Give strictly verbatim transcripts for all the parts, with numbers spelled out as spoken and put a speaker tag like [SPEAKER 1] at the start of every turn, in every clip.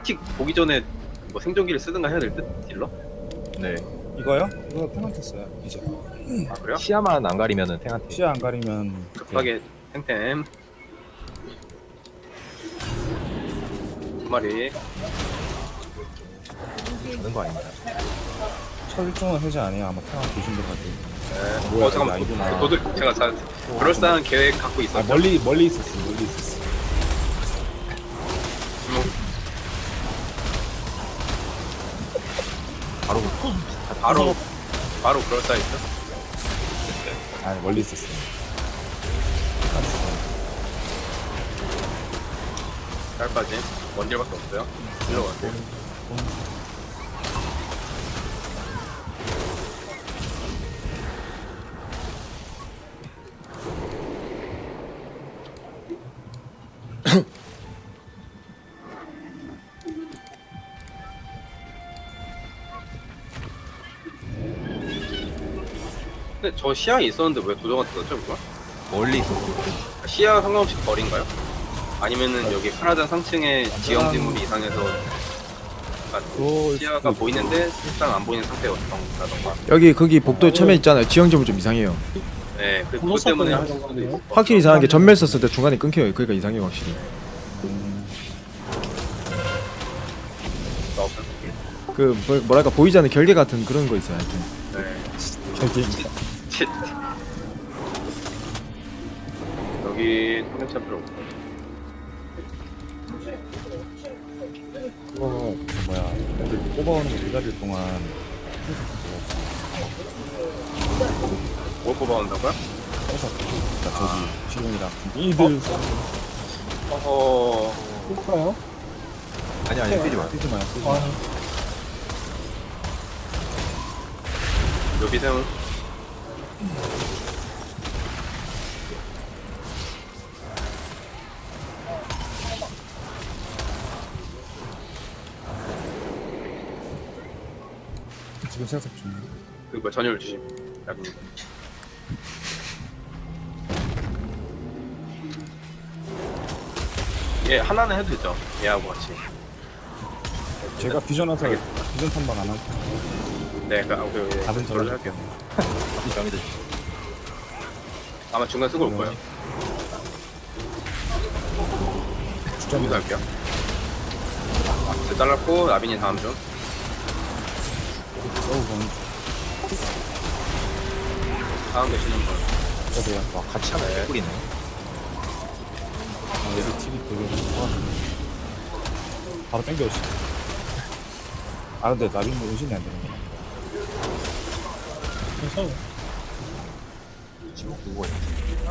[SPEAKER 1] 페널티 보기 전에 뭐 생존기를 쓰든가 해야 될 듯? 딜러?
[SPEAKER 2] 네.
[SPEAKER 3] 이거요? 이거 페널티 써요 이제.
[SPEAKER 1] 아 그래요?
[SPEAKER 2] 시야만 안 가리면은 탱한테
[SPEAKER 3] 시야 안 가리면
[SPEAKER 1] 급하게 템템 두 마리
[SPEAKER 2] 가는 거 아닌가요?
[SPEAKER 3] 철종은 해제 아니에요. 아마 태양 조심도 가지고.
[SPEAKER 1] 네.
[SPEAKER 3] 뭐야,
[SPEAKER 1] 어 잠깐만
[SPEAKER 3] 이거 아니구나.
[SPEAKER 1] 도들 제가 자, 그럴싸한 계획 갖고
[SPEAKER 3] 아
[SPEAKER 1] 있었죠.
[SPEAKER 3] 멀리 멀리 있었어. 멀리 있었어.
[SPEAKER 1] 음,
[SPEAKER 2] 바로
[SPEAKER 1] 바로 바로 그럴싸했죠.
[SPEAKER 3] 아 멀리 있었어.
[SPEAKER 1] 짧까지 원딜밖에 없어요. 딜러 원딜. 근데 저 시야에 있었는데 왜 도저가 뜯었죠 그거?
[SPEAKER 2] 멀리 있었어.
[SPEAKER 1] 시야 상관없이 거리인가요? 아니면은 여기 카나단 상층에 지형 지물이 이상해서 그러니까
[SPEAKER 3] 그거
[SPEAKER 1] 시야가 보이는데 실상 안 보이는 상태였던가.
[SPEAKER 4] 여기 거기 복도에 처음에 있잖아요. 지형점은 좀 이상해요.
[SPEAKER 1] 네, 그 그것 때문에 할 수도 있고.
[SPEAKER 4] 확실히 이상한 게 전멸 썼을 때 중간에 끊겨요. 그러니까 이상해요 확실히. 그 뭐, 뭐랄까 보이지 않는 결계 같은 그런 거 있어요. 하여튼.
[SPEAKER 1] 네.
[SPEAKER 3] 저기
[SPEAKER 1] 칫. 여기 통역차 필요 없고.
[SPEAKER 3] 그거 뭐야 애들 뽑아오는 거 기다릴 동안
[SPEAKER 1] 뭘 뽑아온다고요?
[SPEAKER 3] 회사 그러니까 저기 지금이랑 이들
[SPEAKER 1] 어허.
[SPEAKER 3] 볼까요?
[SPEAKER 2] 아니 아니 뛰지 마.
[SPEAKER 3] 뛰지 마요. 뛰지 마요.
[SPEAKER 1] 여기 세운.
[SPEAKER 3] 지금 생각 중.
[SPEAKER 1] 그리고 전열 주심. 약간. 얘 하나는 해도 되죠. 얘하고 같이.
[SPEAKER 3] 제가 비전 와서 비전 탐방 안 할게요.
[SPEAKER 1] 네, 그 아무 그
[SPEAKER 3] 답은
[SPEAKER 1] 저를
[SPEAKER 3] 저를
[SPEAKER 1] 할게요.
[SPEAKER 2] 정해져.
[SPEAKER 1] 아마 중간 쓰고 올 거예요. 여기서
[SPEAKER 3] 주점이다.
[SPEAKER 1] 할게요. 아, 잘랐고 라빈이 다음 중.
[SPEAKER 3] 써우건
[SPEAKER 1] 다음 계시는 분.
[SPEAKER 3] 저도요.
[SPEAKER 2] 와 같이 하면
[SPEAKER 1] 네.
[SPEAKER 2] 개꿀이네.
[SPEAKER 3] 아, 여기 티비 되게 바로 땡겨오시. 아 근데 나중에 의심이 안 되는 거야. 그래서
[SPEAKER 2] 지금 누구 있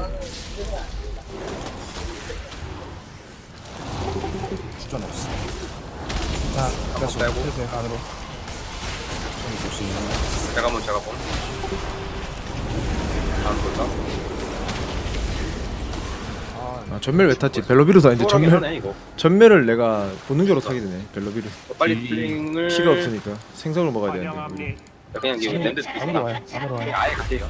[SPEAKER 3] 주전 없어. 자, 다시
[SPEAKER 1] 빼고.
[SPEAKER 3] 빼세요 안으로. 좀 조심.
[SPEAKER 1] 제가 본 제가 본. 다음 볼까?
[SPEAKER 4] 아, 전멸 왜 탔지? 벨로비루도 아닌데
[SPEAKER 1] 수월하긴
[SPEAKER 4] 전멸
[SPEAKER 1] 하네 이거.
[SPEAKER 4] 전멸을 내가 본능적으로 타게 되네. 벨로비루.
[SPEAKER 1] 어, 빨리 플링을.
[SPEAKER 4] 피가 없으니까 생선을 먹어야 되는데.
[SPEAKER 1] 그냥 이게 랜드
[SPEAKER 3] 안으로 와요. 안으로 와요.
[SPEAKER 1] 아예 갈게요.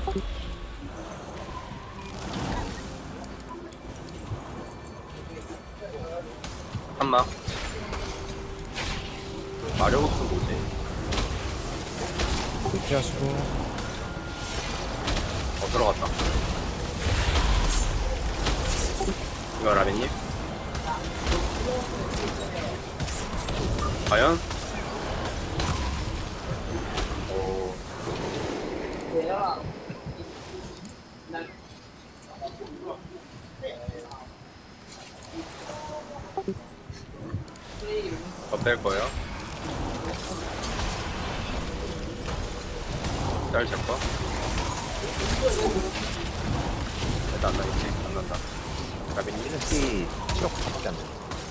[SPEAKER 1] 한마. 마력업은 뭐지?
[SPEAKER 3] 피하시고.
[SPEAKER 1] 어 들어갔다. 이거 라벤님. 과연? 오. 어떨 거예요? 짤 잡고. 일단 안 나겠지? 안 난다. 라벤님.
[SPEAKER 2] 피 칠억 밖에 안 돼.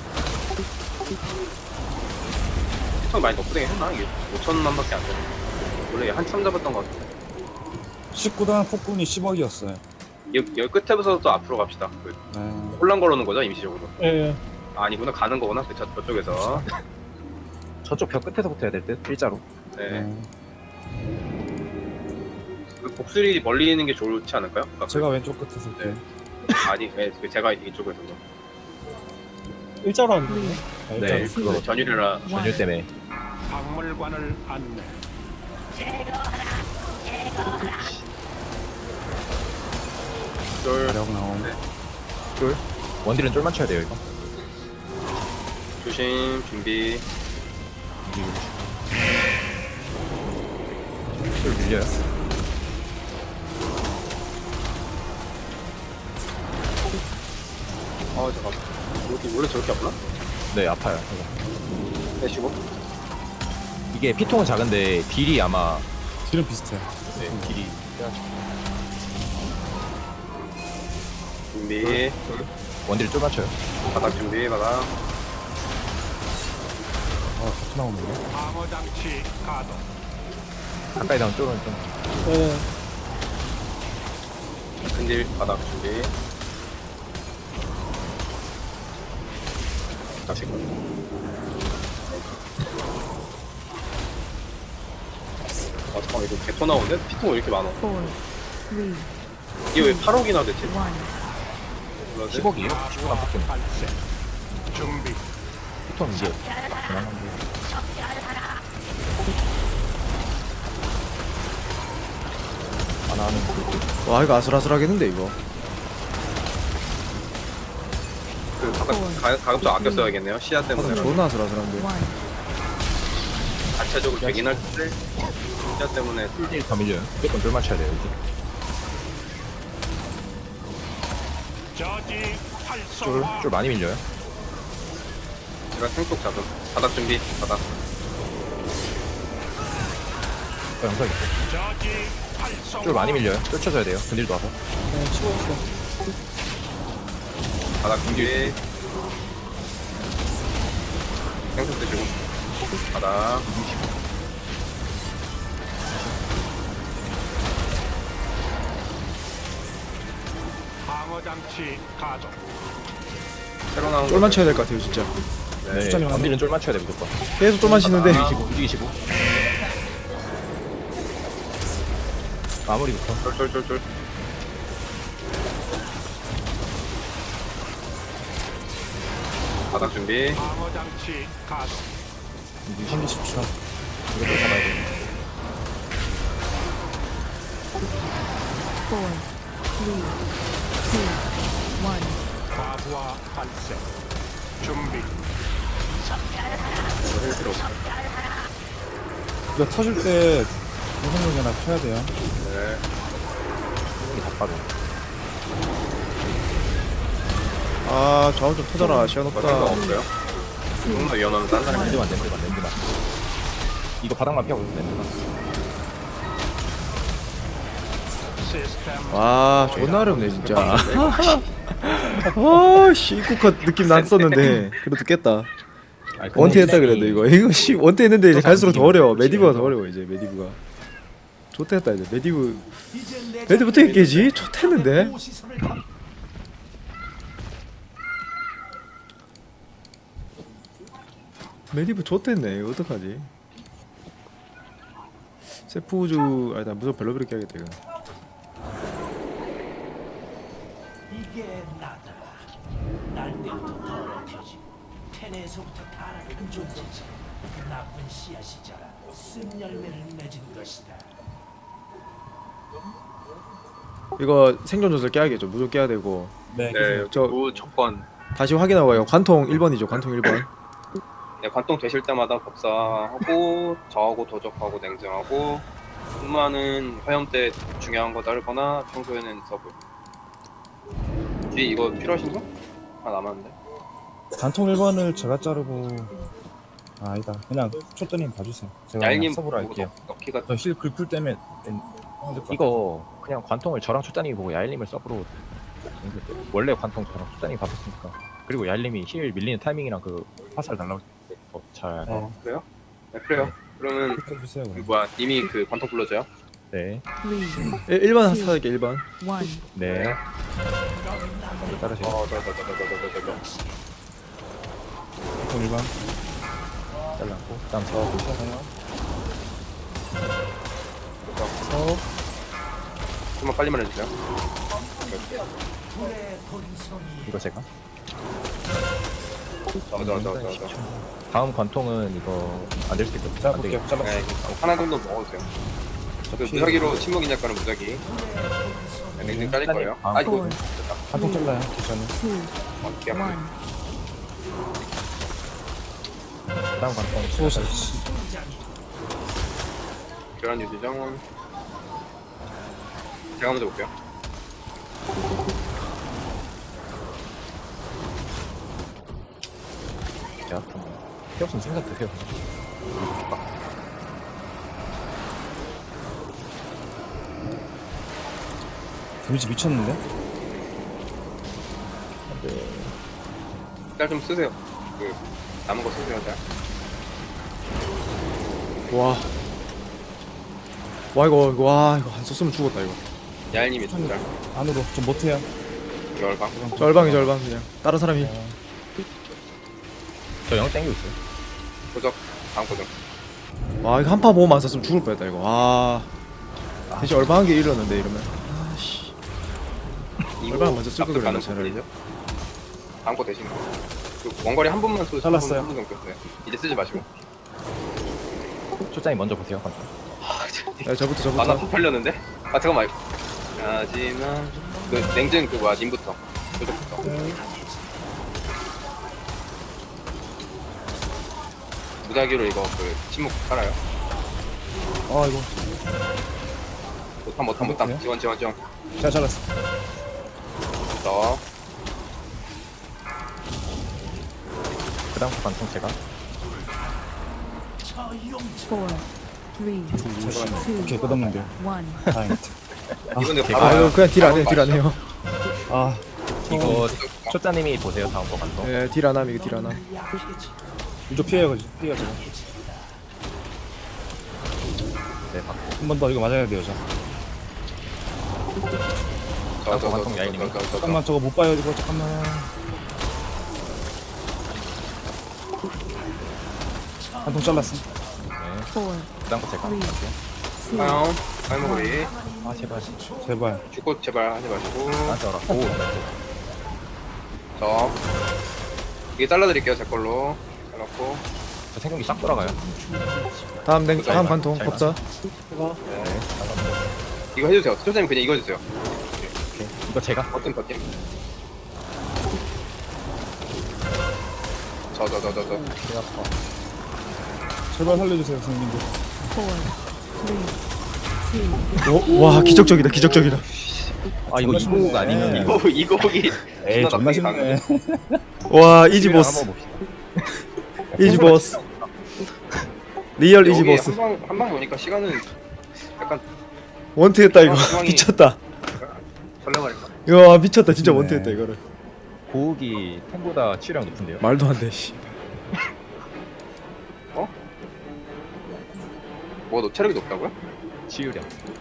[SPEAKER 1] 시청 많이 높게 했나? 이게 오천만밖에 안 되네. 원래 한참 잡았던 것 같아.
[SPEAKER 3] 십구 단 폭군이 십억이었어요.
[SPEAKER 1] 여기, 여기 끝에부터 또 앞으로 갑시다. 그
[SPEAKER 3] 네.
[SPEAKER 1] 혼란 걸어놓은 거죠 임시적으로?
[SPEAKER 3] 예.
[SPEAKER 1] 아, 아니구나 가는 거구나 그 저, 저쪽에서.
[SPEAKER 2] 저쪽 벽 끝에서부터 해야 될 듯. 일자로.
[SPEAKER 1] 네.
[SPEAKER 3] 네.
[SPEAKER 1] 그 복술이 멀리 있는 게 좋지 않을까요? 그러니까
[SPEAKER 3] 제가 왼쪽 끝에서
[SPEAKER 1] 네. 그, 아니, 네, 그 제가 이쪽에서.
[SPEAKER 3] 일자로 하는 거네. 아,
[SPEAKER 2] 네,
[SPEAKER 3] 일자로.
[SPEAKER 2] 그거
[SPEAKER 1] 네, 전율이라
[SPEAKER 2] 전율 때문에.
[SPEAKER 5] 박물관을 안내.
[SPEAKER 1] 쫄
[SPEAKER 3] 가력 나옴.
[SPEAKER 2] 쫄. 원딜은 쫄 맞춰야 돼요 이거.
[SPEAKER 1] 조심 준비.
[SPEAKER 2] 쫄 밀려요.
[SPEAKER 1] 아 잠깐. 여기 원래 저렇게 아프나?
[SPEAKER 2] 네, 아파요. 이거.
[SPEAKER 1] 빼시고.
[SPEAKER 2] 이게 피통은 작은데 딜이 아마
[SPEAKER 3] 딜은 비슷해.
[SPEAKER 2] 네, 딜이
[SPEAKER 1] 준비.
[SPEAKER 2] 원딜 쫄 맞춰요.
[SPEAKER 1] 바닥 준비 바닥.
[SPEAKER 3] 아, 같이 나오는데.
[SPEAKER 5] 방어 장치 가동.
[SPEAKER 2] 가까이 나온 쫄은 좀.
[SPEAKER 3] 네.
[SPEAKER 1] 근딜 바닥 준비. 다시. 아 잠깐 이거 개토 나오는데? 피통 왜 이렇게 많아?
[SPEAKER 6] four, three,
[SPEAKER 1] 이게 왜 팔억이나 됐지?
[SPEAKER 6] one.
[SPEAKER 1] 몰랐네.
[SPEAKER 2] 십억이에요? 십억 안 뽑겠네.
[SPEAKER 5] 발생. 준비.
[SPEAKER 2] 피통 이제 그만한데. 하나는 그
[SPEAKER 4] 와 이거 아슬아슬하겠는데 이거.
[SPEAKER 1] 그 가급, 가, 가급적 아껴 써야겠네요. 시야 때문에.
[SPEAKER 4] 존나 아슬아슬한데.
[SPEAKER 6] One.
[SPEAKER 1] 자체적으로 되긴 할 텐데 시야 때문에
[SPEAKER 2] 쫄딜 더 밀려요. 무조건 쫄 맞춰야 돼요 이제.
[SPEAKER 5] 저지
[SPEAKER 2] 쫄,
[SPEAKER 5] 활성화.
[SPEAKER 2] 쫄 많이 밀려요.
[SPEAKER 1] 제가 생속 잡음. 바닥 준비. 바닥.
[SPEAKER 2] 어, 영상 있고.
[SPEAKER 5] 저지 활성화.
[SPEAKER 2] 쫄 많이 밀려요. 쫓아줘야 돼요. 근딜도 와서.
[SPEAKER 3] 네, 치고 있어.
[SPEAKER 1] 바닥 준비. 생속 드시고. 바닥.
[SPEAKER 5] 방어 장치 가동.
[SPEAKER 1] 새로 나온
[SPEAKER 4] 쫄 맞춰야 될 것 같아요 진짜.
[SPEAKER 2] 네,
[SPEAKER 3] 숫자면
[SPEAKER 2] 원딜은 쫄 맞춰야 돼 무조건.
[SPEAKER 4] 계속 쫄 맞히는데.
[SPEAKER 1] 아.
[SPEAKER 2] 움직이시고, 움직이시고. 마무리부터.
[SPEAKER 1] 쫄쫄쫄쫄. 바닥 준비.
[SPEAKER 5] 방어 장치 가동.
[SPEAKER 3] 한개 십 초.
[SPEAKER 2] 이것도 잡아야 돼.
[SPEAKER 6] Four, three, two, one.
[SPEAKER 5] 과부하 발생. 준비.
[SPEAKER 1] 힐 필요 없어.
[SPEAKER 3] 이거 터질 때 무슨 하나 펴야 돼요.
[SPEAKER 1] 네.
[SPEAKER 2] 이게 다 빠져.
[SPEAKER 4] 아 좌우 좀 터져라 시간
[SPEAKER 1] 뭐 생각
[SPEAKER 4] 없다.
[SPEAKER 1] 없어요? 조금 더 위험하면 딴 사람이
[SPEAKER 2] 랜드만, 랜드만, 랜드만. 이거 바닥만 피하고 있어, 랜드만.
[SPEAKER 5] 시스템.
[SPEAKER 4] 와 존나 어렵네 진짜. 아씨 입국컷 느낌 났었는데 그래도 깼다.
[SPEAKER 2] 아니, 근데
[SPEAKER 4] 원태 했다
[SPEAKER 2] 이
[SPEAKER 4] 그래도 이거 이거 씨 원태 했는데 이제 갈수록 더 어려워. 메디브가 더 어려워 이제 메디브가. 좋댔다 이제 메디브 메디브 어떻게 깨지? 좋댔는데. 메디브 좋댔네 이거 어떡하지? 세프우즈 아니다 무조건 벨로비를 깨야겠다 이거.
[SPEAKER 7] 이게 나다. 날 때부터 더럽혀지고 텐에서부터 타락한 존재지. 나쁜 씨앗이자라 쓴 열매를 맺은 것이다.
[SPEAKER 4] 이거 생존 조절 깨야겠죠. 무조건 깨야 되고.
[SPEAKER 3] 네.
[SPEAKER 1] 네,
[SPEAKER 4] 저-
[SPEAKER 1] 무조건.
[SPEAKER 4] 다시 확인하고 가요. 관통 일 번이죠. 관통 일 번.
[SPEAKER 1] 네, 관통 되실 때마다 법사하고 저하고 도적하고 냉정하고 근무하는 화염 때 중요한 거 자르거나 평소에는 서브. 뒤 이거 필요하신 거? 하나 남았는데.
[SPEAKER 3] 단통 일 번을 제가 자르고. 아, 아니다. 그냥 초ጥ님 봐주세요. 제가
[SPEAKER 1] 얄님
[SPEAKER 3] 그냥 서브로
[SPEAKER 1] 보고
[SPEAKER 3] 할게요.
[SPEAKER 1] 넣- 넣기가
[SPEAKER 3] 저힐 글풀 때문에 힘들 것
[SPEAKER 2] 이거 그냥 관통을 저랑 초단이 보고 야일님을 서브로 원래 관통 저랑 초단이 바꿨으니까. 그리고 야일님이 힐 밀리는 타이밍이랑 그 화살 날라올 때잘
[SPEAKER 1] 어, 그래요? 네, 그래요. 그러면
[SPEAKER 3] 같아요. 해주세요.
[SPEAKER 1] 그
[SPEAKER 3] 그럼.
[SPEAKER 1] 뭐야 이미 그 관통 불러줘요?
[SPEAKER 2] 네.
[SPEAKER 6] Three,
[SPEAKER 4] 일 번 사게 일 번.
[SPEAKER 6] one.
[SPEAKER 2] 네. 따르세요.
[SPEAKER 1] 어, 더, 더, 더, 더, 더, 더, 더, 더.
[SPEAKER 3] 단통 일 번.
[SPEAKER 2] 잘랐고. 다음 저 보시나요?
[SPEAKER 1] 서. 좀만 빨리 말해주세요.
[SPEAKER 7] 불의 본성이
[SPEAKER 2] 이거 제가.
[SPEAKER 1] 저저저저
[SPEAKER 2] 다음 관통은 이거 안 될 수도 있거든요.
[SPEAKER 3] 자
[SPEAKER 2] 안 되겠-
[SPEAKER 3] 볼게요. 잘랐어.
[SPEAKER 1] 네, 하나 정도 먹어도 돼요. 그 무작위로 침묵인 약간은 무작위. 네, 냉증 깔릴 거예요. 아 이거
[SPEAKER 6] four,
[SPEAKER 3] 한통 잘라요. 괜찮아요.
[SPEAKER 6] two,
[SPEAKER 1] 어떻게
[SPEAKER 6] one.
[SPEAKER 1] 하면
[SPEAKER 2] 다음 관통
[SPEAKER 3] 수호자. 씨.
[SPEAKER 1] 교란 유지정. 제가 먼저 볼게요.
[SPEAKER 2] 제가 좀 필요 없으면 생각 드세요.
[SPEAKER 3] 데미지 미쳤는데?
[SPEAKER 2] 근데
[SPEAKER 1] 짤 좀 쓰세요. 그 남은 거 쓰세요, 짤.
[SPEAKER 4] 와. 와 이거 이거 와 이거 안 썼으면 죽었다 이거.
[SPEAKER 1] 야일님이 좀 짤.
[SPEAKER 3] 안으로 좀 못해요.
[SPEAKER 1] 열방.
[SPEAKER 4] 절방이 절방 그냥. 다른 사람이.
[SPEAKER 2] 저 영 땡기고 있어요.
[SPEAKER 1] 고적. 다음 고적.
[SPEAKER 4] 와 이거 한파 보험 안 썼으면 죽을 뻔했다 이거. 와. 대신 얼마한 게 잃었는데 이러면. 아씨. 얼마나 먼저 쓸 걸 그랬나, 차라리.
[SPEAKER 1] 죠 다음 거 대신 거. 그 원거리 한 번만 쏘.
[SPEAKER 3] 잘랐어요.
[SPEAKER 1] 한번 정도 쏘세요. 이제 쓰지 마시고.
[SPEAKER 2] 초장이 먼저 보세요. 관통.
[SPEAKER 4] 야 저부터
[SPEAKER 1] 만화
[SPEAKER 4] 저부터.
[SPEAKER 1] 푹 팔렸는데? 아 잠깐만. 하지만 그 냉증 그 뭐야 님부터. 고적부터. 무작위로 이거 그 침묵 깔아요.
[SPEAKER 3] 아 이거
[SPEAKER 1] 못함 못함 못함. 지원 지원 지원.
[SPEAKER 3] 잘 잘랐어.
[SPEAKER 1] 더.
[SPEAKER 2] 그 다음 관통 제가
[SPEAKER 6] Four, three, two,
[SPEAKER 3] 오케이 끝없는데요.
[SPEAKER 6] one.
[SPEAKER 3] 다행이다.
[SPEAKER 1] 이번에
[SPEAKER 2] 제가-
[SPEAKER 4] 아 이거 그냥 딜 안 해요 딜 안 해요.
[SPEAKER 3] 아
[SPEAKER 2] 이거 초짜님이 보세요. 다음 거 관통.
[SPEAKER 4] 예 딜 안 함 이거 딜 안 함.
[SPEAKER 3] 이거 피해요. 그지? 피해요 제가.
[SPEAKER 2] 네, 박.
[SPEAKER 3] 한 번 더 이거 맞아야 돼요. 저.
[SPEAKER 1] 저저저저저저
[SPEAKER 3] 잠깐만 저거 못 봐요. 이거 잠깐만. 한통 잘랐어.
[SPEAKER 2] 네.
[SPEAKER 6] Four,
[SPEAKER 2] 그 다음 거 제가.
[SPEAKER 6] three,
[SPEAKER 2] 갈게요.
[SPEAKER 6] two,
[SPEAKER 1] 다음 할머니
[SPEAKER 2] 아 제발.
[SPEAKER 3] 제발.
[SPEAKER 1] 죽고 제발 하지 마시고
[SPEAKER 2] 나한테 와라. 오.
[SPEAKER 1] 저 이게 잘라드릴게요 제 걸로 잘랐고
[SPEAKER 2] 저 생각이 싹 돌아가요.
[SPEAKER 4] 다음 냉 다음 관통
[SPEAKER 2] 잘
[SPEAKER 4] 법사.
[SPEAKER 2] 네.
[SPEAKER 1] 이거 해주세요 소장님 그냥 이거 해주세요
[SPEAKER 2] 오케이. 이거 제가.
[SPEAKER 1] 버튼 버튼 저 저 저 저저
[SPEAKER 2] 제가 어.
[SPEAKER 3] 제발 살려주세요 선생님들.
[SPEAKER 6] four, three, two,
[SPEAKER 4] 오, 와 기적적이다 기적적이다.
[SPEAKER 2] 아 이거
[SPEAKER 3] 정말
[SPEAKER 2] 이곡
[SPEAKER 3] 쉽네.
[SPEAKER 2] 아니면
[SPEAKER 1] 이거 이거 보기
[SPEAKER 3] 에이
[SPEAKER 1] 존나
[SPEAKER 3] 존나
[SPEAKER 1] 나쁘게
[SPEAKER 3] 쉽네.
[SPEAKER 4] 와 이지 보스.
[SPEAKER 2] 한번 봅시다.
[SPEAKER 4] 이지 보스. 리얼 이지 보스.
[SPEAKER 1] 한방 한방 보니까 시간은 약간
[SPEAKER 4] 원트했다 이거.
[SPEAKER 1] 상황이-
[SPEAKER 4] 미쳤다.
[SPEAKER 1] 설레발인가
[SPEAKER 4] 이거 미쳤다 진짜
[SPEAKER 3] 네.
[SPEAKER 4] 원트했다 이거를.
[SPEAKER 2] 고욱이 탱보다 치유량 높은데요.
[SPEAKER 4] 말도 안 돼. 씨.
[SPEAKER 1] 뭐너 체력이 높다고요?
[SPEAKER 2] 치유량.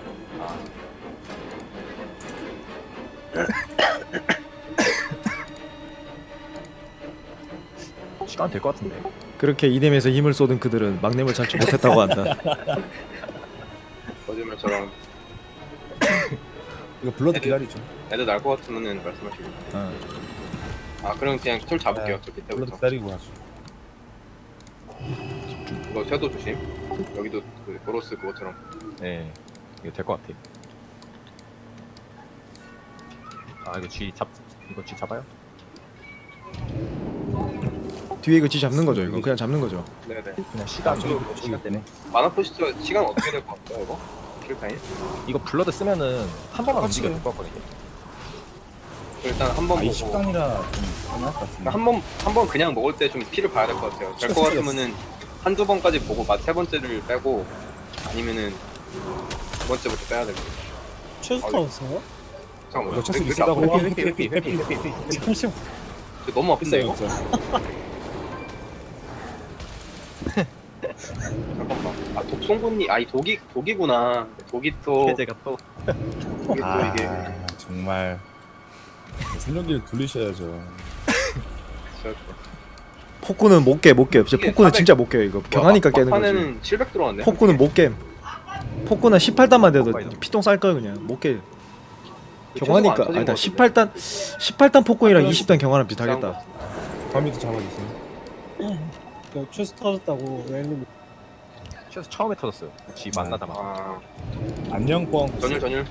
[SPEAKER 2] 시간 될 것 같은데.
[SPEAKER 4] 그렇게 이nem에서 힘을 쏟은 그들은 막내물 잡지 못했다고 한다.
[SPEAKER 1] 거짓말처럼
[SPEAKER 3] 이거 블러드 기다리죠.
[SPEAKER 1] 애들 날 것 같으면은 말씀하시고
[SPEAKER 2] 응.
[SPEAKER 1] 아 그럼 그냥 툴 잡을게요 저
[SPEAKER 3] 블러드
[SPEAKER 1] 밑에부터
[SPEAKER 3] 기다리고 하죠.
[SPEAKER 1] 이거 섀도 조심 여기도 그 도로스 그것처럼
[SPEAKER 2] 네. 이거 될 것 같아. 아 이거 G 잡 이거 G 잡아요?
[SPEAKER 4] 뒤에 이거 지 잡는 거죠 이거. 그냥 잡는 거죠.
[SPEAKER 1] 네네
[SPEAKER 2] 그냥 시간
[SPEAKER 3] 저기,
[SPEAKER 2] 저기 시간 때문에.
[SPEAKER 1] 만화 포스터 시간 어떻게 될 것 같아요 이거? 킬타임?
[SPEAKER 2] 이거 블러드 쓰면은 한 번만 움직여도 될 것 같거든요.
[SPEAKER 1] 일단 한 번
[SPEAKER 3] 아, 이
[SPEAKER 1] 보고
[SPEAKER 3] 식당이라 좀 편할 것 같은데.
[SPEAKER 1] 한 번 한 번 그냥 먹을 때 좀 피를 봐야 될 것 같아요. 될 것 같으면은 한두 번까지 보고 맛 세 번째를 빼고 아니면은 두 번째부터 빼야 됩니다.
[SPEAKER 8] 최스타 없어요?
[SPEAKER 1] 잠깐만요.
[SPEAKER 3] 이거 체스
[SPEAKER 1] 왜 이렇게
[SPEAKER 3] 비싸다고.
[SPEAKER 1] 아프죠?
[SPEAKER 3] 회피 회피 회피 회피 회피.
[SPEAKER 8] 잠시만.
[SPEAKER 1] 저 너무 아픈데
[SPEAKER 3] 비싸요
[SPEAKER 1] 이거?
[SPEAKER 3] 진짜.
[SPEAKER 1] 잠깐만. 아 독송곳니 아이 독이 독이구나. 독이 또
[SPEAKER 2] 해제가 또
[SPEAKER 1] 독이 또
[SPEAKER 3] 아
[SPEAKER 1] 이게
[SPEAKER 3] 정말 생존기를 돌리셔야죠.
[SPEAKER 1] 진짜
[SPEAKER 4] 폭구는 못 깨, 못 깨. 진짜
[SPEAKER 1] 이게
[SPEAKER 4] 폭구는
[SPEAKER 1] 사백
[SPEAKER 4] 진짜 못 깨. 이거 경하니까 깨는 거지.
[SPEAKER 1] 막판에는 칠백 들어왔네.
[SPEAKER 4] 폭구는 못 깨. 폭구는 십팔 단만 돼도 피똥 쌀 거야 그냥. 못 깨. 경하니까 아니다. 십팔 단 십팔 단 폭군이랑 이십 단 경화랑 비슷하겠다.
[SPEAKER 3] 범위도 잡아주세요.
[SPEAKER 8] 그 최소 터졌다고 웰님
[SPEAKER 2] 최소 처음에 터졌어요. 지 만나다마자.
[SPEAKER 1] 아
[SPEAKER 3] 안녕 뻥.
[SPEAKER 1] 전율 전율.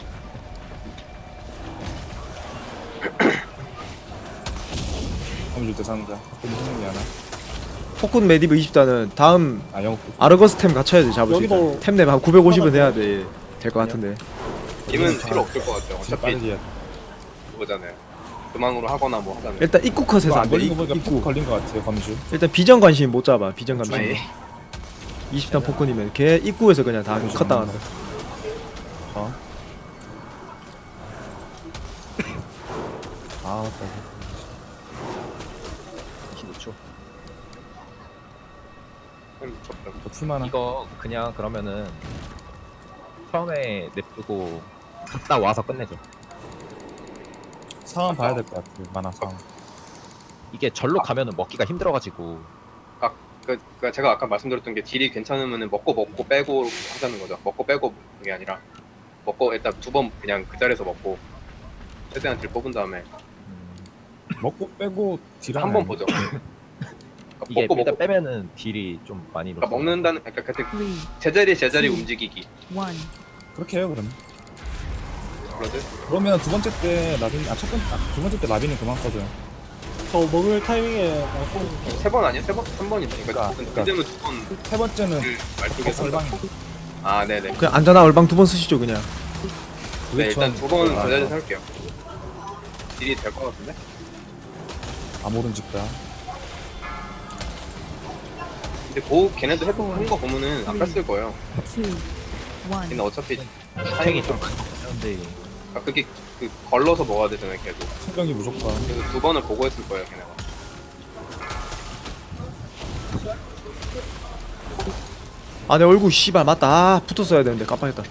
[SPEAKER 3] 검줄 때 상자. 근데 생각이 안 나.
[SPEAKER 4] 폭군 메디브 이십 단은 다음
[SPEAKER 3] 아 영국.
[SPEAKER 4] 아르거스 템 갖춰야 돼 잡을 수
[SPEAKER 8] 여기도
[SPEAKER 4] 있다. 템랩 한 구백오십은 해야 돼. 될 것 같은데.
[SPEAKER 1] 님은 필요 없을 것 같아요.
[SPEAKER 3] 진짜
[SPEAKER 1] 어차피
[SPEAKER 3] 빠르게 해야 돼.
[SPEAKER 1] 그거잖아요. 그만으로 하거나 뭐 하잖아요.
[SPEAKER 4] 일단 입구 컷에서
[SPEAKER 3] 이거
[SPEAKER 4] 안
[SPEAKER 3] 안
[SPEAKER 4] 돼.
[SPEAKER 3] 걸린 거 보니까
[SPEAKER 4] 입구.
[SPEAKER 3] 푹 걸린 거 같아요 검줄.
[SPEAKER 4] 일단 비전 관심 못 잡아. 비전 관심.
[SPEAKER 1] 아니,
[SPEAKER 4] 이십 단 폭군이면 걔 입구에서 그냥 다 컷 당한다.
[SPEAKER 3] 어. 아 맞다.
[SPEAKER 2] 이십오 초.
[SPEAKER 1] 음, 미쳤다.
[SPEAKER 3] 더 풀만한.
[SPEAKER 2] 이거 그냥 그러면은 처음에 냅두고 갔다 와서 끝내죠.
[SPEAKER 3] 상황 봐야 될 것 같아요. 만화 상황.
[SPEAKER 2] 이게 절로 가면은 먹기가 힘들어가지고
[SPEAKER 1] 그, 그 제가 아까 말씀드렸던 게 딜이 괜찮으면은 먹고 먹고 빼고 하자는 거죠. 먹고 빼고 그게 아니라 먹고 일단 두 번 그냥 그 자리에서 먹고 최대한 딜 뽑은 다음에
[SPEAKER 2] 음,
[SPEAKER 3] 먹고 빼고 딜하는.
[SPEAKER 1] 한 번 보죠. 그러니까
[SPEAKER 2] 이게
[SPEAKER 1] 먹고
[SPEAKER 2] 일단
[SPEAKER 1] 먹고
[SPEAKER 2] 빼면은 딜이 좀 많이
[SPEAKER 1] 그러니까
[SPEAKER 2] 높아요.
[SPEAKER 1] 먹는다는 그러니까 그때
[SPEAKER 6] three,
[SPEAKER 1] 제자리 제자리
[SPEAKER 6] 음.
[SPEAKER 1] 움직이기.
[SPEAKER 6] one.
[SPEAKER 3] 그렇게 해요 그럼.
[SPEAKER 1] 그러지?
[SPEAKER 3] 그러면 두 번째 때 라빈 아첫 번째 아, 두 번째 때 라빈은 그만 써줘요.
[SPEAKER 8] 저 먹을 타이밍에 말고
[SPEAKER 1] 세 번 아니야? 세 번? 한 번이죠. 그러니까
[SPEAKER 3] 그러니까-
[SPEAKER 1] 그때는 두번
[SPEAKER 3] 세 번째는
[SPEAKER 1] 말뚝에 선다.
[SPEAKER 3] 설방.
[SPEAKER 1] 아 네네.
[SPEAKER 4] 그냥 안전한 얼방 두 번 쓰시죠 그냥.
[SPEAKER 1] 네 일단 두 번
[SPEAKER 3] 아,
[SPEAKER 1] 제자리 살게요. 딜이 될 것 같은데?
[SPEAKER 3] 아모른 집다.
[SPEAKER 1] 근데 고 걔네도 해본 거 보면은 안 뺐을 거예요.
[SPEAKER 6] Two, one.
[SPEAKER 1] 걔는 어차피
[SPEAKER 2] 주택이 좀 그런데
[SPEAKER 1] 아, 그게 그 걸러서 먹어야 되잖아요 계속.
[SPEAKER 3] 생명이 무조건.
[SPEAKER 1] 그래서 두 번을 보고 했을 거예요 걔네가.
[SPEAKER 4] 아 내 얼굴 씨발 맞다. 아, 붙었어야 되는데 깜빡했다.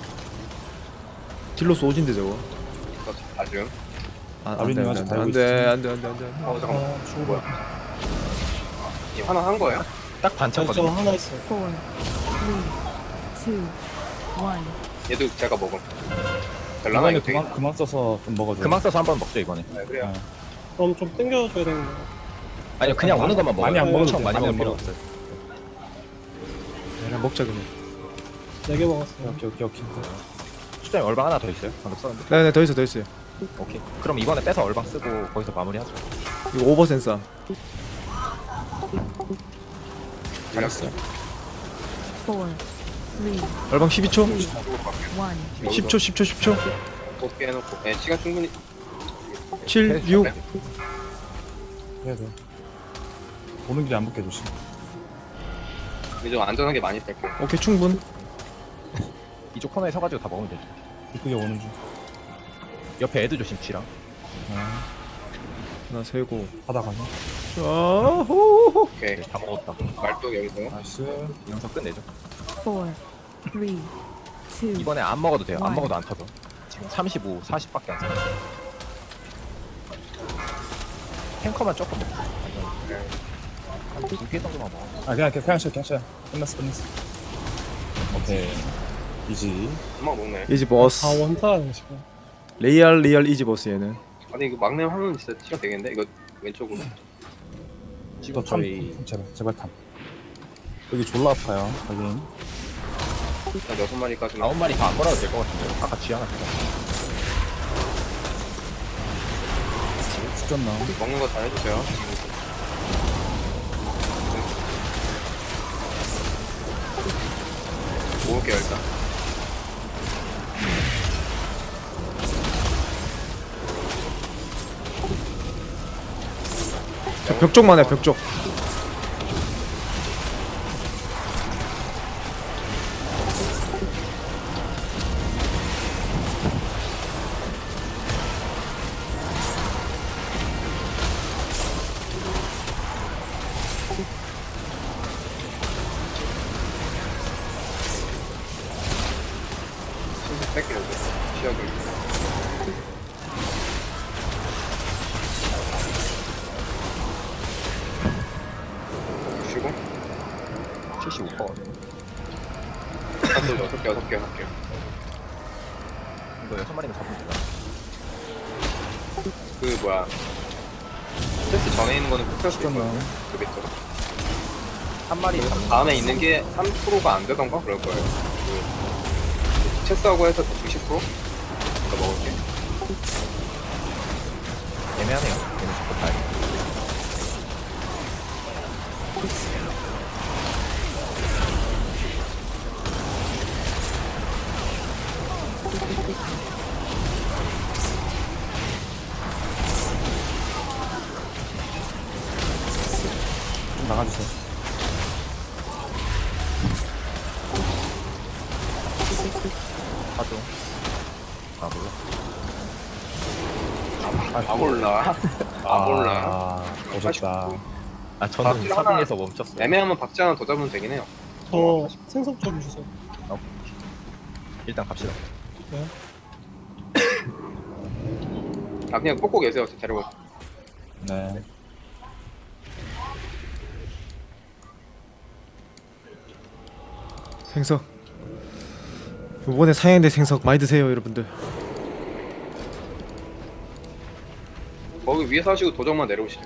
[SPEAKER 4] 딜로스 오진데 저거.
[SPEAKER 1] 그래서 아쉬움.
[SPEAKER 4] 아, 안돼
[SPEAKER 3] 아버님
[SPEAKER 4] 안돼
[SPEAKER 3] 아직
[SPEAKER 4] 안돼
[SPEAKER 3] 달고
[SPEAKER 4] 안돼 안돼 안돼 안돼.
[SPEAKER 1] 어 잠깐만.
[SPEAKER 8] 아 죽어.
[SPEAKER 1] 뭐야? 이 하나 한 거예요?
[SPEAKER 2] 딱
[SPEAKER 8] 저, 저
[SPEAKER 2] 반쳤거든요.
[SPEAKER 8] 하나 있어요.
[SPEAKER 6] Four, three, two, one.
[SPEAKER 1] 얘도 제가 먹음. 될라나
[SPEAKER 3] 이번에
[SPEAKER 1] 이거 되게.
[SPEAKER 3] 그만 그만 써서 좀 먹어줘.
[SPEAKER 2] 그만 써서 한 번 먹죠 이번에.
[SPEAKER 1] 네, 그래요.
[SPEAKER 8] 그럼 좀 땡겨줘야 되는 거예요.
[SPEAKER 2] 아니요 그냥 오는 것만 먹어요.
[SPEAKER 3] 많이 안 먹어도
[SPEAKER 2] 엄청
[SPEAKER 3] 돼,
[SPEAKER 2] 많이
[SPEAKER 3] 많이
[SPEAKER 2] 먹을
[SPEAKER 3] 안
[SPEAKER 2] 필요
[SPEAKER 3] 먹어도
[SPEAKER 2] 없어요.
[SPEAKER 4] 그냥 먹자 그냥.
[SPEAKER 8] 네 개 먹었어요.
[SPEAKER 3] 오케이 오케이 오케이.
[SPEAKER 2] 수장님 얼방 하나 더 있어요? 방금 썼는데.
[SPEAKER 4] 네네 더 있어 더 있어요.
[SPEAKER 2] 오케이. 그럼 이번에 빼서 얼방 쓰고 거기서 마무리하죠.
[SPEAKER 4] 이거 오버 센서.
[SPEAKER 1] 잘했어요.
[SPEAKER 6] Four, three,
[SPEAKER 4] 얼방 십이 초.
[SPEAKER 6] one.
[SPEAKER 4] 십 초 십 초 십 초.
[SPEAKER 1] 뽑게 해놓고. 네 시간 충분히.
[SPEAKER 4] 칠, 육.
[SPEAKER 3] 해야 돼. 오는 길에 안 붙게 조심.
[SPEAKER 1] 이제 좀 안전하게 많이 뺄게요.
[SPEAKER 4] 오케이 충분.
[SPEAKER 2] 이쪽 코너에 서가지고 다 먹으면 되죠.
[SPEAKER 3] 이쁘게 오는 중.
[SPEAKER 2] 옆에 애들 조심 치랑.
[SPEAKER 3] 아,
[SPEAKER 4] 하나 세고.
[SPEAKER 3] 하다 가네.
[SPEAKER 4] 아호.
[SPEAKER 1] 오케이.
[SPEAKER 2] 네, 다 먹었다.
[SPEAKER 1] 말뚝 여기서.
[SPEAKER 3] 나이스.
[SPEAKER 2] 영상 끝내죠.
[SPEAKER 6] Four, three, two,
[SPEAKER 2] 이번에 안 먹어도 돼요. 안
[SPEAKER 6] one.
[SPEAKER 2] 먹어도 안 터져. 지금 삼십오, 사십밖에 안 써. 탱커만 조금 먹고. 한두 개 정도만 먹어.
[SPEAKER 3] 아 그냥 그냥 그냥 쉬어 그냥 쉬어. 끝났어 끝났어. 오케이. 이지.
[SPEAKER 1] 금방 먹네.
[SPEAKER 4] 이지 보스.
[SPEAKER 8] 다 원타네 지금.
[SPEAKER 4] 레이얼 리얼 이지 보스 얘는.
[SPEAKER 1] 아니 이거 막내 하면 진짜 시간 되겠는데? 이거 왼쪽으로.
[SPEAKER 2] 지금
[SPEAKER 3] 탐,
[SPEAKER 2] 저희
[SPEAKER 3] 탐, 제발 제발 탐. 여기 졸라 아파요. 여긴.
[SPEAKER 1] 일단 여섯 마리까지만.
[SPEAKER 2] 아홉 마리 다 안 걸어도 될 것 같은데. 아까 쥐 하나 죽었어.
[SPEAKER 3] 죽겠나?
[SPEAKER 1] 먹는 거 잘 해주세요. 모을게요 일단.
[SPEAKER 4] 저 벽 쪽만 해 벽 쪽.
[SPEAKER 1] 신속 뺄게요 이제. 시약을. 쉬고.
[SPEAKER 2] 칠십오 퍼센트.
[SPEAKER 1] 한도 여섯 개 여섯 개 할게요.
[SPEAKER 2] 이거 여섯 마리는 잡으면 되나?
[SPEAKER 1] 그 뭐야. 스트레스 전에 있는 거는 폭탈 수
[SPEAKER 3] 죽겠나?
[SPEAKER 1] 있거든요. 그겠죠.
[SPEAKER 2] 한 마리
[SPEAKER 1] 다음에 있는 게 삼 퍼센트가 안 되던가 그럴 거예요. 그 체스하고 해서 대충 십 퍼센트 더 먹을게.
[SPEAKER 2] 애매하네요. 얘는 자꾸 다
[SPEAKER 3] 좀 나가주세요.
[SPEAKER 2] 하죠. 아 몰라.
[SPEAKER 1] 아 몰라. 아 몰라.
[SPEAKER 3] 아, 오셨다.
[SPEAKER 2] 아 저는
[SPEAKER 1] 박쥐 하나-
[SPEAKER 2] 사등에서 멈췄어요.
[SPEAKER 1] 애매하면 박쥐 하나 더 잡으면 되긴 해요.
[SPEAKER 8] 저 생석 좀 주세요.
[SPEAKER 2] 아, 일단 갑시다.
[SPEAKER 8] 네.
[SPEAKER 1] 아 그냥 꽂고 계세요. 저 데리고.
[SPEAKER 3] 네.
[SPEAKER 4] 생석. 요번에 상향된 생석 많이 드세요, 여러분들.
[SPEAKER 1] 거기 위에서 하시고 도적만 내려오시죠.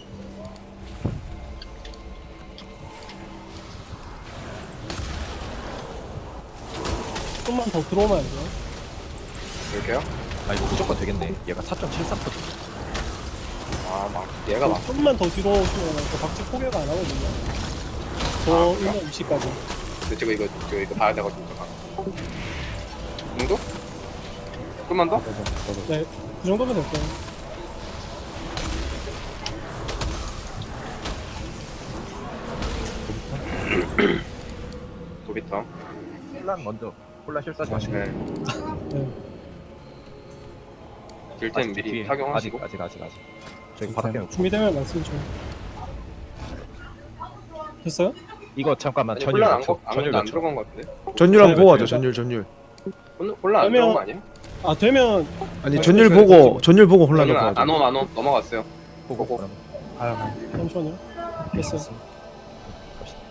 [SPEAKER 8] 좀만 더 들어오면 안 돼요?
[SPEAKER 1] 이렇게요?
[SPEAKER 2] 아 이거 무조건 되겠네. 얘가 사 점 칠삼 퍼센트.
[SPEAKER 1] 아막 얘가 막
[SPEAKER 8] 좀만 더 뒤로 오시면 저 박쥐 포기가 안 하거든요. 저
[SPEAKER 1] 아, 그래요?
[SPEAKER 8] 일반 위치까지.
[SPEAKER 1] 근데 제가 이거 제가 이거 봐야 돼가지고 잠깐. 이 정도? 좀만 더?
[SPEAKER 3] 저도, 저도.
[SPEAKER 8] 네, 그 정도면 될 거예요.
[SPEAKER 1] 도비터.
[SPEAKER 2] 콜라 먼저 콜라 실수하지 마시고.
[SPEAKER 1] 네.
[SPEAKER 8] 네.
[SPEAKER 1] 딜템
[SPEAKER 2] 아직
[SPEAKER 1] 미리
[SPEAKER 2] 뒤에.
[SPEAKER 1] 착용하시고.
[SPEAKER 2] 아직 아직 아직 아직. 저기 바로 깨요.
[SPEAKER 8] 준비되면 말씀 좀. 됐어요?
[SPEAKER 2] 이거 잠깐만
[SPEAKER 1] 아니
[SPEAKER 2] 전율
[SPEAKER 1] 혼란
[SPEAKER 2] 몇
[SPEAKER 1] 안,
[SPEAKER 2] 초?
[SPEAKER 1] 거- 안,
[SPEAKER 2] 전율
[SPEAKER 1] 안
[SPEAKER 2] 몇 초?
[SPEAKER 1] 들어간 것 같은데?
[SPEAKER 4] 전율 한번
[SPEAKER 8] 네,
[SPEAKER 4] 보고 하죠.
[SPEAKER 8] 네.
[SPEAKER 4] 전율 전율.
[SPEAKER 1] 혼- 혼란 안
[SPEAKER 8] 그러면-
[SPEAKER 1] 들어간 거 아니에요?
[SPEAKER 8] 아 되면
[SPEAKER 4] 아니 전율 보고 전율 보고 혼란
[SPEAKER 1] 혼란
[SPEAKER 4] 넣고
[SPEAKER 1] 안,
[SPEAKER 4] 하죠.
[SPEAKER 1] 안 옴, 안 옴. 넘어갔어요.
[SPEAKER 2] 보고
[SPEAKER 1] 보고.
[SPEAKER 2] 그럼
[SPEAKER 3] 가요, 가요.
[SPEAKER 8] 잠시만요. 됐어요.
[SPEAKER 2] 갑시다.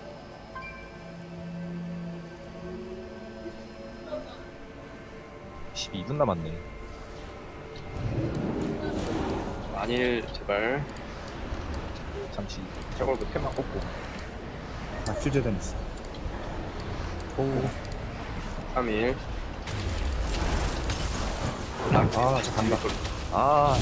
[SPEAKER 2] 십이 분 남았네.
[SPEAKER 1] 만일 제발
[SPEAKER 2] 잠시
[SPEAKER 1] 저걸 못해만 꽂고
[SPEAKER 3] 아, 퓨즈된 있어.
[SPEAKER 1] 삼 일
[SPEAKER 3] 아, 저 간다.
[SPEAKER 2] 아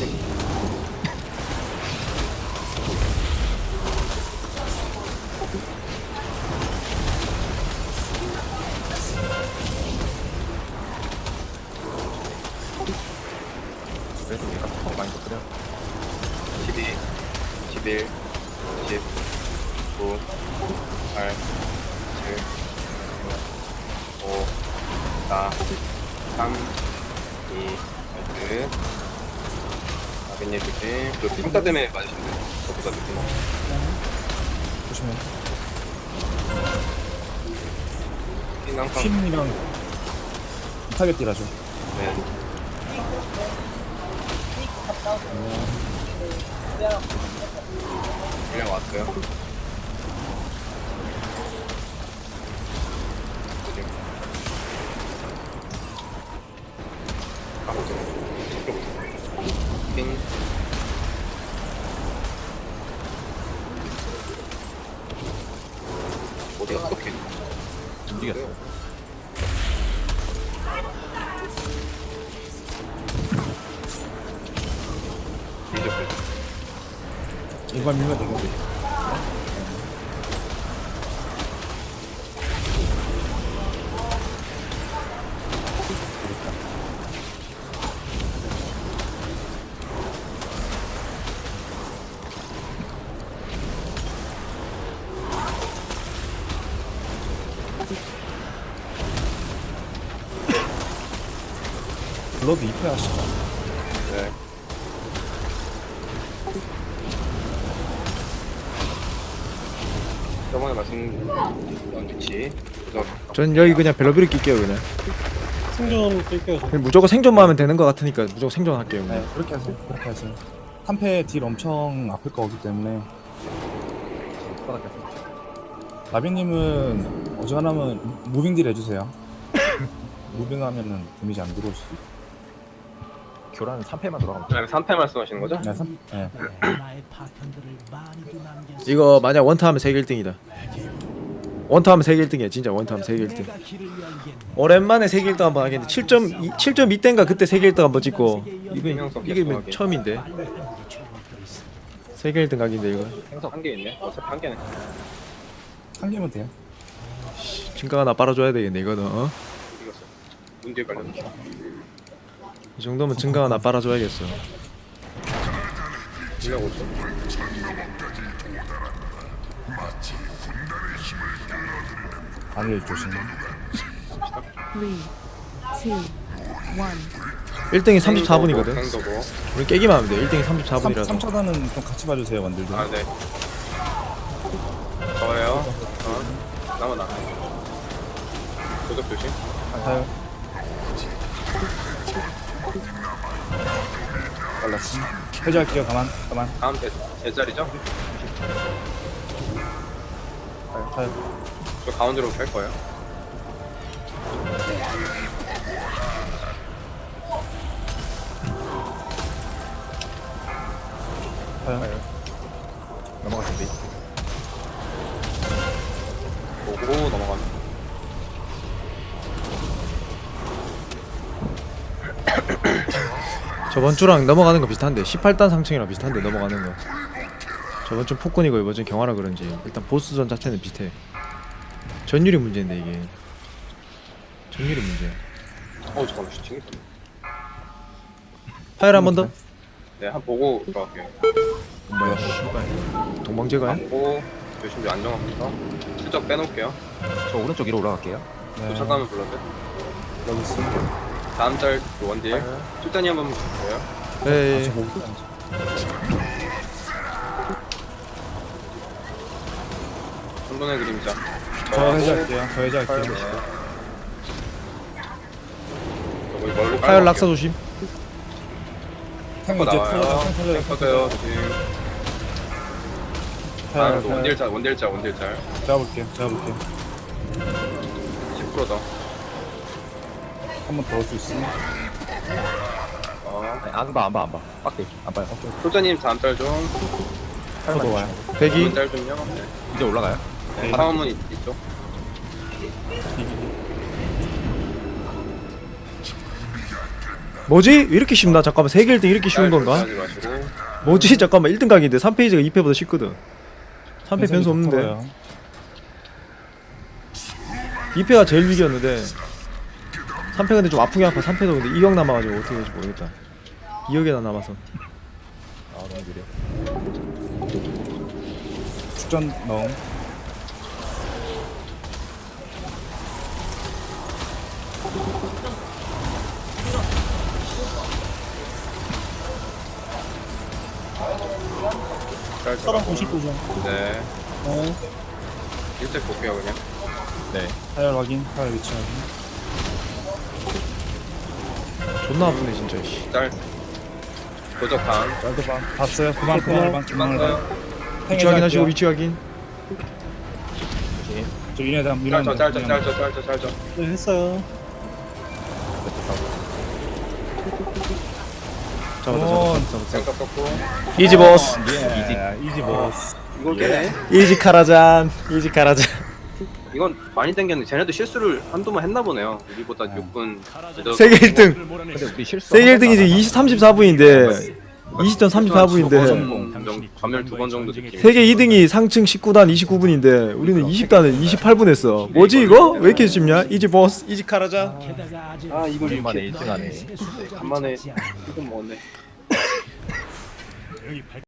[SPEAKER 2] 그래도 얘가 더 많이 더 그래.
[SPEAKER 1] 십이, 십일, 십, 구, 팔, 칠, 오, 사, 삼, 이, 일. 아벤님 조심. 그 평타 때문에 맞으시면 돼요. 저보다 느낌.
[SPEAKER 3] 조심해.
[SPEAKER 1] 핀 항상.
[SPEAKER 3] 퀸이랑 타겟 딜하죠.
[SPEAKER 1] 네. 그냥 왔어요. 가보죠. 핑. 어디 어떻게?
[SPEAKER 2] 움직였어.
[SPEAKER 3] 이번 밀면 되겠네. 블러드 이 패 하시죠.
[SPEAKER 1] 네. 저번에 말씀드린 위치. 그래서
[SPEAKER 4] 전 여기 그냥 벨로비를 낄게요 그냥.
[SPEAKER 8] 생존 뛸게요. 저.
[SPEAKER 4] 그냥 무조건 생존만 하면 되는 것 같으니까 무조건 생존할게요.
[SPEAKER 3] 네,
[SPEAKER 4] 그냥.
[SPEAKER 3] 그렇게 하세요. 그렇게 하세요. 한 패 딜 엄청 아플 거기 때문에. 라빈님은 어지간하면 무빙 딜 해주세요. 무빙하면은 데미지 안 들어올 수도 있고.
[SPEAKER 2] 교란 삼 패만 돌아가면 돼.
[SPEAKER 1] 아, 삼 패 말씀하시는 거죠?
[SPEAKER 3] 네, 삼, 네.
[SPEAKER 7] 나의 파편들을 많이도 남겼어.
[SPEAKER 4] 이거 만약 원타 하면 세계 일 등이다. 원타 하면 세계 일 등이야. 진짜 원타 하면 세계 일 등.
[SPEAKER 7] 내가 길을 열겠네.
[SPEAKER 4] 오랜만에 세계 일 등 한번 하겠는데 칠 점 이 칠 점 이 대인가 그때 세계 일 등 한번 찍고 이게 이게 뭐 처음인데
[SPEAKER 7] 빨리 하는 게 좋을 거 있어.
[SPEAKER 4] 세계 일 등 각인데 이거.
[SPEAKER 1] 생석 한 개 있네. 어차피 한 개네.
[SPEAKER 3] 한 개면 돼요.
[SPEAKER 4] 진가 하나 빨아줘야 되겠네 이거는. 어?
[SPEAKER 1] 이겼어. 문제 관련.
[SPEAKER 4] 이 정도면 증가 하나 빨아줘야겠어.
[SPEAKER 1] 이백 오천.
[SPEAKER 3] 아를 조심.
[SPEAKER 6] three, two, one.
[SPEAKER 4] 일 등이 삼십사 분이거든.
[SPEAKER 1] 생도고.
[SPEAKER 4] 우리 깨기만 하면 돼. 일 등이 삼십사 분이라서.
[SPEAKER 3] 삼 차단은 좀 같이 봐주세요, 원들도.
[SPEAKER 1] 아 네. 저예요. 어. 나만 나. 도적 조심.
[SPEAKER 3] 타요. 빨랐어. 해제할게요. 가만, 가만.
[SPEAKER 1] 다음 제, 제 자리죠?
[SPEAKER 3] 타요, 타요.
[SPEAKER 1] 저 가운데로 뺄 거예요.
[SPEAKER 3] 타요.
[SPEAKER 2] 넘어갈 준비.
[SPEAKER 1] 보고 넘어가는.
[SPEAKER 4] 저번 주랑 넘어가는 거 비슷한데 십팔 단 상층이랑 비슷한데 넘어가는 거. 저번 주 폭군이고 이번 주 경화라 그런지 일단 보스전 자체는 비슷해. 전율이 문제인데 이게. 전율이 문제야.
[SPEAKER 1] 어 잠깐만 슈팅이 있었네.
[SPEAKER 4] 파열 한 번 더.
[SPEAKER 1] 네, 한 보고 들어갈게요.
[SPEAKER 4] 뭐야? 씨발. 동방제가야?
[SPEAKER 1] 안 보고 열심히 안정하면서 슬쩍 빼놓을게요.
[SPEAKER 2] 저 오른쪽 위로 올라갈게요.
[SPEAKER 3] 네.
[SPEAKER 1] 도착하면 불러주세요.
[SPEAKER 3] 여기 있어.
[SPEAKER 1] 다음 짤 원딜. 출단이 한 번만 주세요.
[SPEAKER 4] 에이.
[SPEAKER 3] 저 목이
[SPEAKER 1] 혼돈의 그림자.
[SPEAKER 3] 저 해제할게요. 저 해제할게요.
[SPEAKER 1] 저기 멀리
[SPEAKER 4] 파열 낙사 조심.
[SPEAKER 3] 탱
[SPEAKER 1] 거
[SPEAKER 3] 이제
[SPEAKER 1] 나와요.
[SPEAKER 3] 터져요. 탱 터져요. 탱
[SPEAKER 1] 터져요.
[SPEAKER 3] 터져요.
[SPEAKER 1] 지금.
[SPEAKER 3] 타요,
[SPEAKER 1] 다음 또
[SPEAKER 3] 타요.
[SPEAKER 1] 원딜 짤, 원딜 짤, 원딜 짤.
[SPEAKER 3] 잡아볼게요. 잡아볼게요.
[SPEAKER 1] 십 퍼센트 더.
[SPEAKER 3] 한 번 더 올 수 있으면.
[SPEAKER 1] 어.
[SPEAKER 2] 아니, 안 봐, 안 봐, 안 봐. 빡대. 안 봐요.
[SPEAKER 1] 솔자님 다음 짤 좀.
[SPEAKER 3] 더 와요.
[SPEAKER 4] 대기.
[SPEAKER 1] 짤 좀요. 네.
[SPEAKER 2] 이제 올라가요.
[SPEAKER 1] 네, 다음은 있, 있죠.
[SPEAKER 4] 뭐지? 왜 이렇게 쉽나? 잠깐만 세계 일 등 이렇게 쉬운 건가?
[SPEAKER 1] 하지 마시고.
[SPEAKER 4] 뭐지? 잠깐만 일 등 각인데 삼 페이지가 이 패보다 쉽거든. 삼 패 변수 없는데.
[SPEAKER 3] 터져요.
[SPEAKER 4] 이 패가 제일 위기였는데 삼 패 근데 좀 아프게 아파. 삼 패도 근데 이 억 남아가지고 어떻게 될지 모르겠다. 이 억이나 남아서.
[SPEAKER 2] 아, 너무 느려.
[SPEAKER 3] 축전 넣음.
[SPEAKER 1] 짤
[SPEAKER 8] 사람
[SPEAKER 1] 들어가고.
[SPEAKER 8] 오십구 점.
[SPEAKER 1] 네.
[SPEAKER 8] 네.
[SPEAKER 1] 일찍 볼게요 그냥.
[SPEAKER 2] 네.
[SPEAKER 3] 타열 확인. 타열 위치 확인.
[SPEAKER 4] 존나 아프네 진짜. 씨.
[SPEAKER 1] 짤. 도적 다음.
[SPEAKER 3] 짤도 봐. 봤어요. 그만, 그만, 그만, 그만.
[SPEAKER 1] 끝났어요.
[SPEAKER 4] 위치 확인하시고 위치 확인.
[SPEAKER 3] 저 이네 다음, 이네
[SPEAKER 1] 짤죠,
[SPEAKER 3] 다음.
[SPEAKER 1] 짤죠, 짤죠, 짤죠, 짤죠.
[SPEAKER 8] 네, 했어요.
[SPEAKER 4] 잡았다
[SPEAKER 3] 어,
[SPEAKER 4] 잡았다 잡았다.
[SPEAKER 1] 생각 썼고.
[SPEAKER 4] 이지 보스.
[SPEAKER 3] 예, 이지 보스.
[SPEAKER 1] 이걸 깨네.
[SPEAKER 4] 이지 카라잔. 이지 카라잔.
[SPEAKER 1] 이건 많이 땡겼는데 쟤네도 실수를 한두번 했나 보네요. 우리보다 육 분.
[SPEAKER 4] 세계 일 등.
[SPEAKER 2] 근데 우리 실수.
[SPEAKER 4] 세계 일 등이 지금 이십 삼십사 분인데 이십 점 삼십사 분인데
[SPEAKER 1] 전멸 두 번 정도 느낌.
[SPEAKER 4] 세계 이 등이 상층 십구 단 이십구 분인데 우리는 이십 단을 이십팔 분 했어. 뭐지 이거? 왜 이렇게 쉽냐? 이지 보스. 이지 카라잔.
[SPEAKER 7] 게다가 아직
[SPEAKER 1] 아 이걸
[SPEAKER 2] 우리만에
[SPEAKER 1] 이렇게
[SPEAKER 2] 일 등 하네.
[SPEAKER 7] 세수가
[SPEAKER 1] 간만에
[SPEAKER 7] 잡지 않아.
[SPEAKER 1] 이건 먹었네.